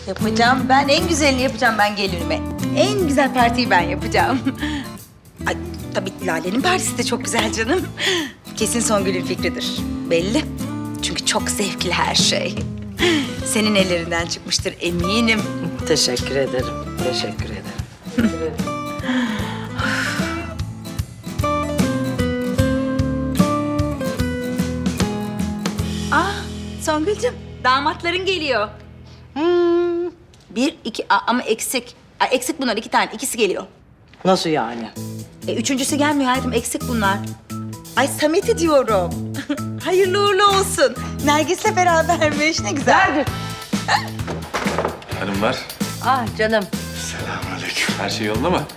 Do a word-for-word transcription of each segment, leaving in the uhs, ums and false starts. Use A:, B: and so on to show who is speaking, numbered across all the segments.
A: Yapacağım. Ben en güzelini yapacağım ben gelinime. En güzel partiyi ben yapacağım. Ay, tabii Lale'nin partisi de çok güzel canım. Kesin Songül'ün fikridir. Belli. Çünkü çok zevkli her şey. Senin ellerinden çıkmıştır eminim.
B: Teşekkür ederim. Teşekkür ederim.
A: Ah, Songül'cüm damatların geliyor. Hmm, bir, iki, Aa, ama eksik. Ay, eksik bunlar iki tane, ikisi geliyor.
B: Nasıl yani?
A: E, üçüncüsü gelmiyor hayatım, eksik bunlar. Ay Samet'i diyorum. Hayırlı uğurlu olsun. Nergis'le berabermiş, ne güzel.
C: Hanımlar,
B: Ah canım.
C: selamünaleyküm. Her şey yolunda mı?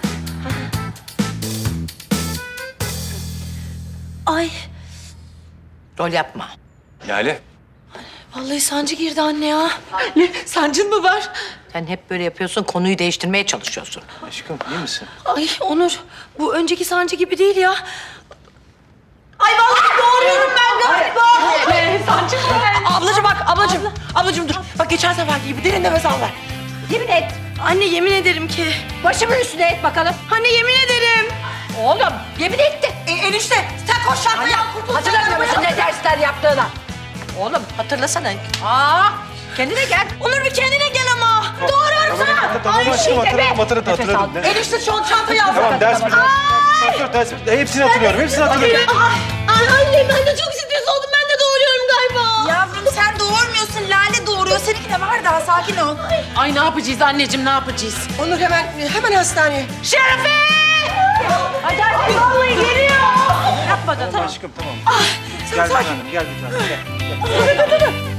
D: Ay
B: Rol yapma.
C: Lale.
D: vallahi sancı girdi anne ya. Ne? Sancın mı var?
B: Sen hep böyle yapıyorsun, konuyu değiştirmeye çalışıyorsun.
C: Aşkım iyi misin?
D: Ay Onur bu önceki sancı gibi değil ya. Ay vallahi doğuruyorum ben galiba. Ne? Sancı mı? Ablacığım bak ablacığım. Ablacığım dur. Bak geçen seferki gibi derin nefes al ver.
B: Yemin et.
D: Anne yemin ederim ki.
B: Başımın üstüne et bakalım.
D: Anne yemin ederim.
B: Oğlum, yemin etti.
D: E, enişte sen koş şarkıya kurtul.
B: Hatırlamıyor musun ne dersler yaptığını? Oğlum hatırlasana. Aa, kendine gel.
D: Onur bir kendine gel ama. Doğuruyorum sana.
C: Tamam
B: Ay,
C: aşkım
B: şey
C: hatırladım,
B: deme.
C: hatırladım,
B: Nefes
C: hatırladım.
B: al.
C: Ne-
D: Enişte şu çantayı al.
C: Tamam ders mi? Ders, ders, ders, hepsini hatırlıyorum, hepsini hatırlıyorum.
D: Ay anne ben de çok stres oldum. Ben de doğuruyorum galiba.
A: Yavrum sen doğurmuyorsun, Lale doğuruyor. Seninki de var daha, sakin ol.
E: Ay ne yapacağız anneciğim ne yapacağız?
D: Onur hemen hemen hastaneye.
B: Şerefe! Hadi hadi. Vallahi geliyor. Yapma da tamam.
C: Aşkım tamam. Gel bir tanem, gel bir tanem. Gel.